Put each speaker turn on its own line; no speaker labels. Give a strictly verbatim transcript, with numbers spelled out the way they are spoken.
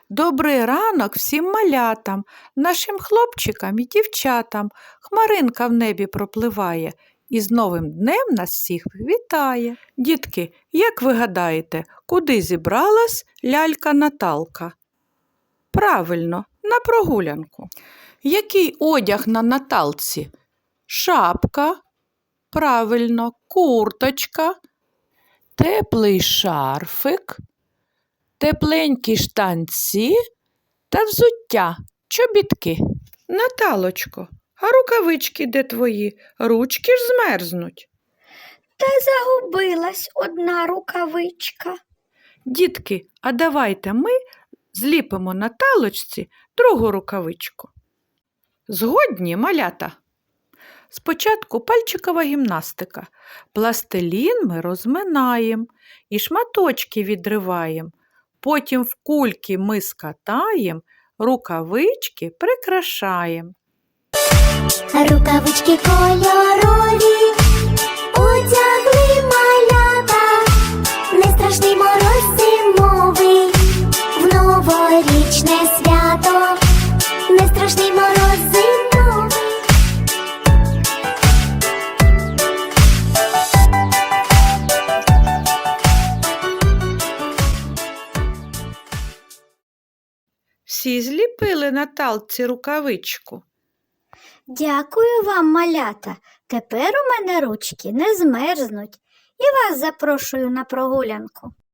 Добрий ранок всім малятам, нашим хлопчикам і дівчатам. Хмаринка в небі пропливає і з новим днем нас всіх вітає. Дітки, як ви гадаєте, куди зібралась лялька Наталка? Правильно, на прогулянку. Який одяг на Наталці? Шапка, правильно, курточка, теплий шарфик, тепленькі штанці та взуття, чобітки. Наталочко, а рукавички де твої? Ручки ж змерзнуть.
Та загубилась одна рукавичка.
Дітки, а давайте ми зліпимо Наталочці другу рукавичку. Згодні, малята? Спочатку пальчикова гімнастика. Пластилін ми розминаємо і шматочки відриваємо. Потім в кульки ми скатаємо, рукавички прикрашаємо.
Рукавички кольорові одягли малята, не страшний мороз зимовий, в новорічне свято, не страшний мороз зимовий.
Всі зліпили Наталці рукавичку.
Дякую вам, малята. Тепер у мене ручки не змерзнуть. І вас запрошую на прогулянку.